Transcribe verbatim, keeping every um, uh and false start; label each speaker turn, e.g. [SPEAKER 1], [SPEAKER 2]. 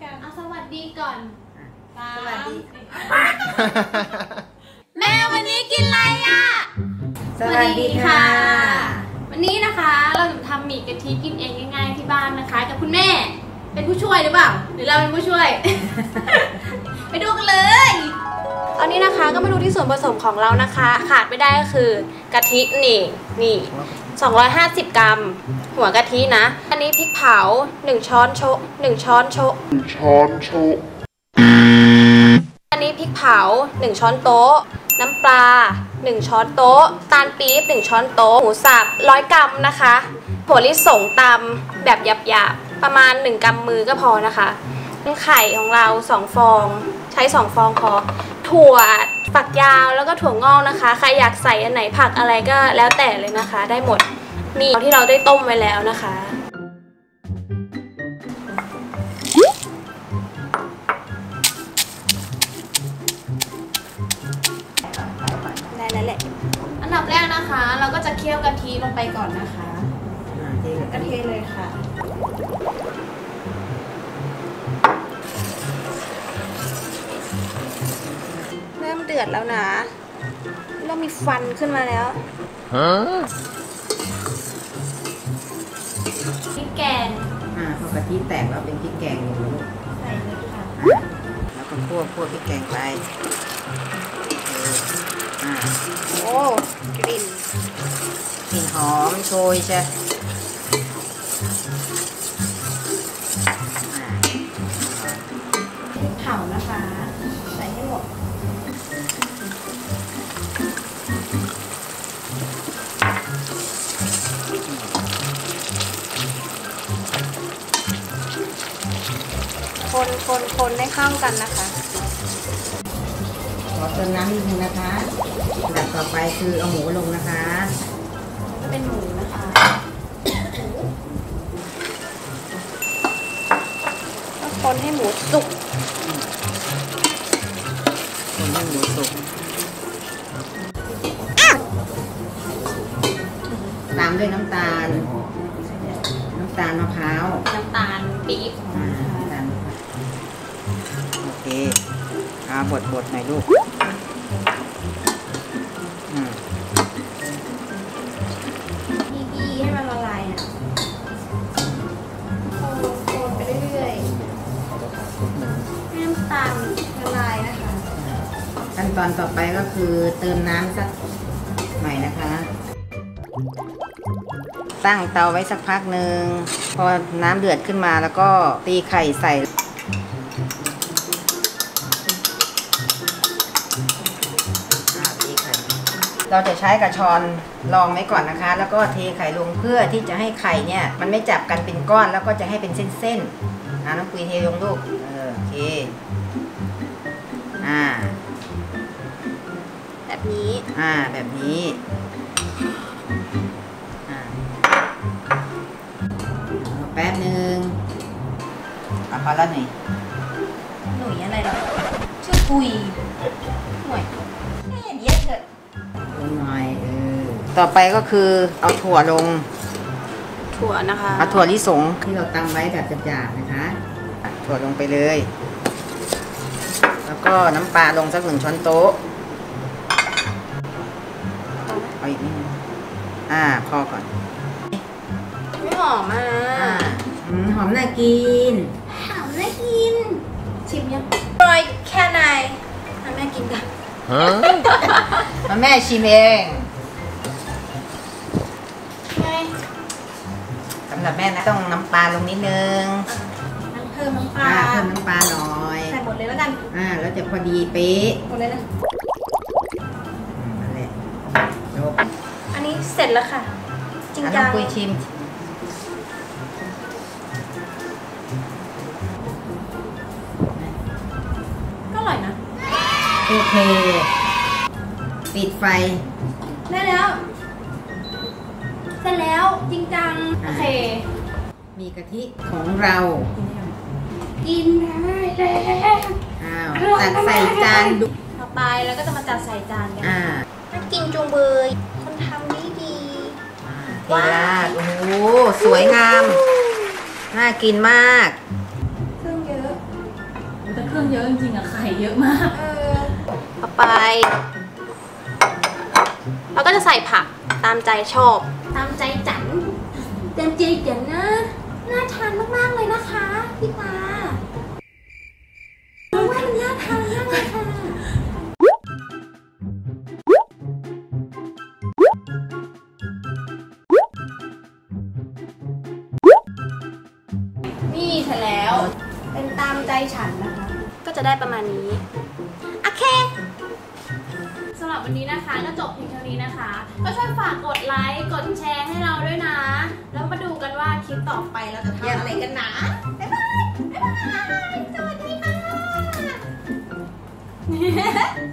[SPEAKER 1] เอาสวัสดีก่อนสวัสดีแม่วันนี้กินอะไรอ่ะ
[SPEAKER 2] สวัสดีค่ะ
[SPEAKER 1] วันนี้นะคะเราจะทำหมี่กะทิกินเองง่ายๆที่บ้านนะคะกับคุณแม่เป็นผู้ช่วยหรือเปล่าหรือเราเป็นผู้ช่วย ไปดูกันเลยตอนนี้นะคะก็มาดูที่ส่วนผสมของเรานะคะขาดไม่ได้ก็คือกะทินี่นี่สองร้อยห้าสิบกรัมหัวกะทินะอันนี้พริกเผาหนึ่งช้อนโชะหนึ่งช้อนโชะหนึ่งช้อนโชะอันนี้พริกเผาหนึ่งช้อนโต๊ะน้ำปลาหนึ่งช้อนโต๊ะตาลปี๊บหนึ่งช้อนโต๊ะหมูสับร้อยกรัมนะคะถั่วลิสงตำแบบหยาบๆประมาณหนึ่งกำมือก็พอนะคะไข่ของเราสองฟองใช้สองฟองพอถั่วฝักยาวแล้วก็ถั่วงอกนะคะใครอยากใส่อันไหนผักอะไรก็แล้วแต่เลยนะคะได้หมดนี่ที่เราได้ต้มไว้แล้วนะคะได้แล้วแหละอันดับแรกนะคะเราก็จะเคี่ยวกะทิลงไปก่อนนะคะกะทิเลยค่ะเริ่มเดือดแล้วนะเริ่มมีฟันขึ้นมาแล้วพริกแกง
[SPEAKER 2] อ่าพอกะทิแตกแล้วเป็นพริกแกงเลยลูก
[SPEAKER 1] ใส่เลยค่ะ
[SPEAKER 2] แล้วก็คั่วคั่วพริกแกงไปอ่า
[SPEAKER 1] โอ้กลิ่น
[SPEAKER 2] กลิ่นหอมโชยใช่
[SPEAKER 1] พริกเผานะคะใส่ให้หมดคนคนคนให้เข้ากันนะคะ
[SPEAKER 2] ขอเติมน้ำนิดนึงนะคะอันดับต่อไปคือเอาหมูลงนะคะ
[SPEAKER 1] จะเป็นหมูนะคะคนให้หมูสุก
[SPEAKER 2] คนให้หมูสุกตามด้วยน้ำตาลน้ำตาลมะพร้าว
[SPEAKER 1] น้ำตาลปี๊บ
[SPEAKER 2] โอเคเอาบดบดหน่อยลูก
[SPEAKER 1] บี้ๆให้มันละลายนะโคนไปเรื่อยๆให้น้ำตาลละลายนะคะ
[SPEAKER 2] ขั้นตอนต่อไปก็คือเติมน้ำสักหน่อยนะคะตั้งเตาไว้สักพักหนึ่งพอน้ำเดือดขึ้นมาแล้วก็ตีไข่ใส่เราจะใช้กระชอนรองไว้ก่อนนะคะแล้วก็เทไข่ลงเพื่อที่จะให้ไข่เนี่ยมันไม่จับกันเป็นก้อนแล้วก็จะให้เป็นเส้นๆอ่าน้องปุยเทลงลูกเออโอเคอ่า
[SPEAKER 1] แบบนี้
[SPEAKER 2] อ่าแบบนี้อ่าแป๊บหนึ่งเอาพอแล้วหน่อย
[SPEAKER 1] หนุ่ยอะไรหรอชื่อปุยหน่วยแค่เดียวเถอะ
[SPEAKER 2] หน่อยเออต่อไปก็คือเอาถั่วลง
[SPEAKER 1] ถั่วนะคะ
[SPEAKER 2] เอาถั่วลิสงที่เราตำไว้แบบหยาบๆนะคะถั่วลงไปเลยแล้วก็น้ำปลาลงสักหนึ่งช้อนโต๊ะเอาอีกนิดนึงอ่าพอก่อน
[SPEAKER 1] ไม่หอมอ่ะ
[SPEAKER 2] หอมน่ากิน
[SPEAKER 1] หอมน่ากินชิมยังอร่อยแค่ไหนแม่กินกัน
[SPEAKER 2] มาแม่ชิมเองสำหรับแม่นะต้องน้ำปลาลงนิดนึง
[SPEAKER 1] เพิ่มน้ำปลา
[SPEAKER 2] เพิ่มน้ำปลาหน่อย
[SPEAKER 1] ใส่หมดเลยแล้วกัน
[SPEAKER 2] อ่าแล้วจะพอดีเป๊ะ
[SPEAKER 1] หมดเลยนะ
[SPEAKER 2] นั่นแหละจบ
[SPEAKER 1] อันนี้เสร็จแล้วค่ะจริงจัง
[SPEAKER 2] คุยชิม
[SPEAKER 1] ก็อร่อยนะ
[SPEAKER 2] โอเคปิดไฟ
[SPEAKER 1] ได้แล้วเสร็จแล้วจริงจังโอเค
[SPEAKER 2] มีกะทิของเรา
[SPEAKER 1] กินได้แล้ว
[SPEAKER 2] อ้าวตักใส่จานดู
[SPEAKER 1] ต่อไปแล้วก็จะมาจัดใส่จานกัน
[SPEAKER 2] อ่า
[SPEAKER 1] น่ากินจุงเบยคนทำดีดี
[SPEAKER 2] ว้าวโอ้โหสวยงามน่ากินมาก
[SPEAKER 1] เครื่องเยอะเครื่องเยอะจริงๆอะไข่เยอะมากเออต่อไปเราก็จะใส่ผักตามใจชอบตามใจจันเต็มใจจันนะน่าทานมากๆเลยนะคะพี่ปาว่ามันน่าทานมากเลยค่ะนี่เสร็จแล้วเป็นตามใจฉันนะคะก็จะได้ประมาณนี้โอเคสำหรับวันนี้นะคะก็จบเพียงเท่านี้นะคะก็ช่วยฝากกดไลค์กดแชร์ให้เราด้วยนะแล้วมาดูกันว่าคลิปต่อไปเราจะทำอะไรกันนะบ๊ายบายบ๊ายบายสวัสดีค่ะ